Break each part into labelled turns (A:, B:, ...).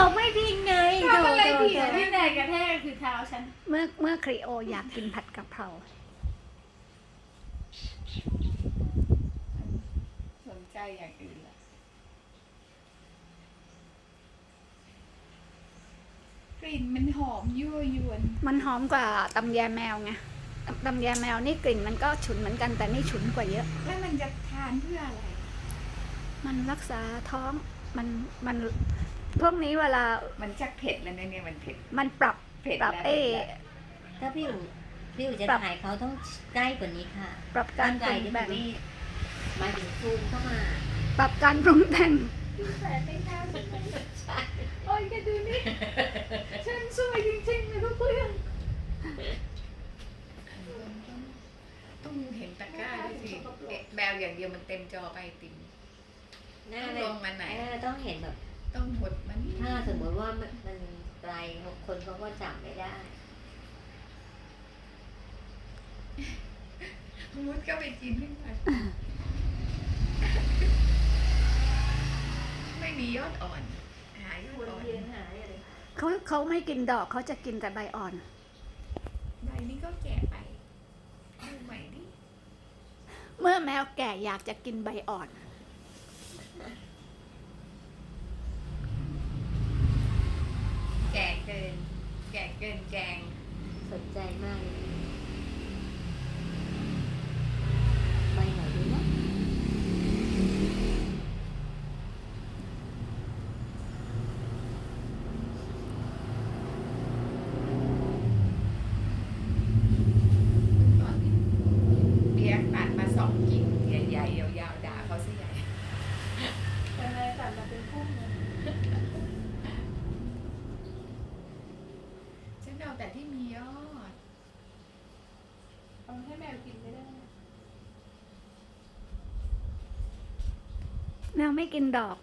A: เขาไม่พิงไง
B: ทำอะไรผิดอะที่ไหนกระแทกคือเท้าฉัน
C: เมื่อครีโออยากกินผัดกะเพรา
B: สนใจอย่างอื่นละกลิ่นมันหอมยั่วยวน
C: มันหอมกว่าตำแยแมวไงตำแยแมวนี่กลิ่นมันก็ฉุนเหมือนกันแต่นี่ฉุนกว่าเยอะ
B: แล้วมันจะทานเพื่ออะไร
C: มันรักษาท้องมันพวกนี้เวลา
B: มันชักเผ็ดแล้วนะเนี่ยมันเผ็ด
C: มันปรับ
B: เผ็ด
C: ปรับ
B: แล้ว
A: ถ้าพี่อู๋จะถ่ายเขาต้องใกล้กว่านี้ค่ะ
C: ปรับการป
A: ไก่
C: รุง
A: ที่
C: แต่
A: มัน
C: ง
A: นี่หมายถึงซูมเข้ามา
C: ปรับการปรุงแต่ง
B: แต่ไม่น่าใช่โอ้ยแกดูนี่ ฉันสวยจริงๆเลยทุกเรื่องต้องเห็นตะกร้าด้วยสิแมวอย่างเดียวมันเต็มจอไปติ่ม
A: หน้า
B: ลงมาไหน
A: ต้องเห็นแบบ
B: ต้องหดมัน
A: ถ้าสมมติว่ามันไกลคนเขาก็จับไม่ได้
B: มุดก็ไปกินขึ้นมาไม่มียอดอ่อน หายอดอ่อน
C: เขาไม่กินดอกเขาจะกินแต่ใบอ่อน
B: ใบนี้ก็แก่ไปดูใหม่ดิ
C: เมื่อแมวแก่อยากจะกินใบอ่อน
B: แก่เกิน แก่เกินแกง
A: สนใจมากเลยไปไหนดีนะ
B: ตอนนี้เบียร์ตัดมา2 กิ่งใหญ่ๆยาวๆด่าเขาซะใหญ่
D: แต่ในตัดมาเป็นพุ่มนะ
B: ฉันเอาแต่ที่มียอด
D: เอาให้แมวกินไม่ได้
C: แมวไม่กินดอก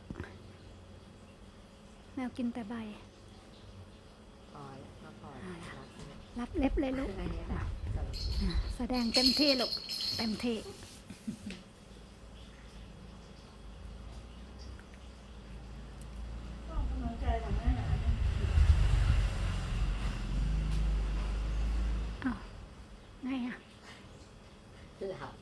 C: แมวกินแต่ใบ
A: พอแล้วมาพอ
C: รับเล็บเลยลูก
A: อันนี้แบบ
C: แสดงเต็มที่ลูกเต็มที่
D: ก็ออกกำลังกายทำอาหาร
C: ไงอ่ะ
A: หลับ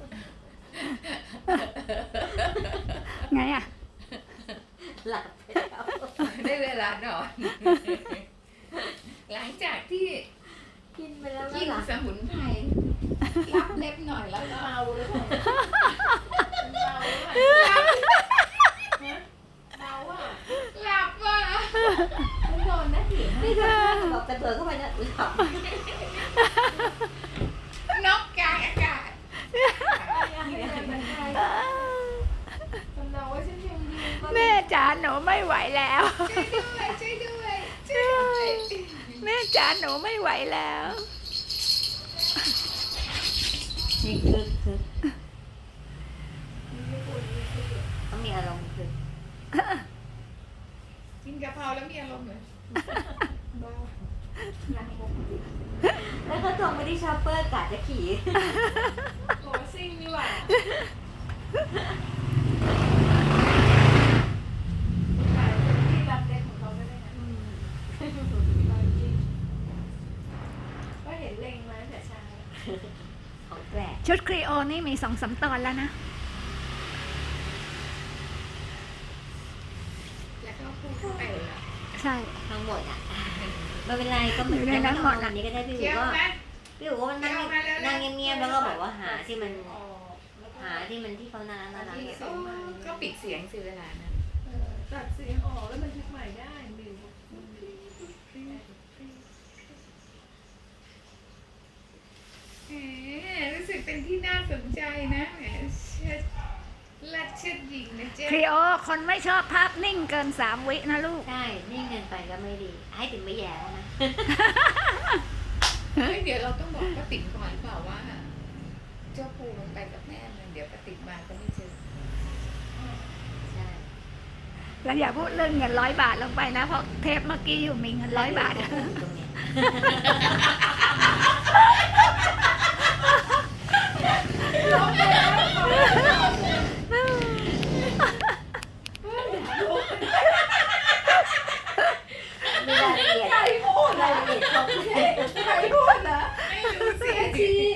C: ไงอ่ะ
A: หลับไปแล้ว
B: ได้เวลานอน หลังจากที่
A: กินไปแล้ว
B: กิน
A: หลับ
B: สมุนไพรรับเล็บหน่อยแล้วก็
D: เมาหรือเปล่าเมาหรือเปล่าเมาอ่ะ
B: หลับว่ะ
D: ไม่โดนนะถิ่น
A: นี่ก็บอกกระเถิบเข้าไปนะหลับ
B: นกกลางอากาศ
D: ให้แรงมันได้จำเราว่าฉันยังดีก็
C: แม่จ๋าหนูไม่ไหวแล้ว
B: ช่วยด้วยช่วยด้วย
C: แม่จ๋าหนูไม่ไหวแล้ว
A: นี่คือต้องมีอารมณ์คือ
B: กินกะเพราแล้วมีอารมณ์เหรอ
A: แล้วก็ตรงไปที่ชอปเปอร์กะจะขี่
D: โอ้ซิ่งนี่หว่าแต่ที่รับเด็กของเขาไม่ได้นะก็เห็นเล็งมาตั้งแต่เช้า
A: ของแปลก
C: ชุดครีโอนี่มี2-3 ตอนแล้วนะ
B: แล้วก็พูดเข้าไปเลยเหรอ
C: ใช่
A: ทั้งหมดอ่ะไม่เป็นไรก็เหมือน
C: อยู่ในนั้นหมดอะ
A: วันนี้ก็ได้พี่
B: เที่
A: อู๋
B: ยว
A: ก็
B: ไหม
A: พี่อู๋ก็นั่งนั่งเงียบๆแล้วก็บอกว่าหาที่มัน
D: อ๋อแล้วก็
A: หาที่มันที่เขาน่ารัก
B: โอ้ก็ปิดเสียงสิเวลานั้น
D: ตัดเสียงออกแล้วมันทึกใหม่ได้ลืม
B: แหมรู้สึกเป็นที่น่าสนใจนะแหมเชิดลัดเชิดหญิงนะเจ๊
C: ครีโอคนไม่ชอบภาพนิ่งเกิน3 วินะลูก
A: ใช่นิ่งเกินไปก็ไม่ดี ให้ถึงไม่แย่แล้วนะ
B: เฮ้ยเดี๋ยวเราต้องบอกป้าติ๋มก่อนหรือเปล่าว่า เจ้าปูมันไปกับแม่มันเดี๋ยวป้าติ๋มมาก็ไม่เจอ
A: ใช่
C: แล้วอย่าพูดเรื่องเงิน100 บาทลงไปนะ เพราะเทปเมื่อกี้อยู่มีเงิน100 บาท
A: ตรงเนี้ย
D: พูด
A: รา
D: อะ
A: ยละเอียดครบเลย
D: ใครพูดนะ
B: ไม่รู้สิ
D: แม่ชี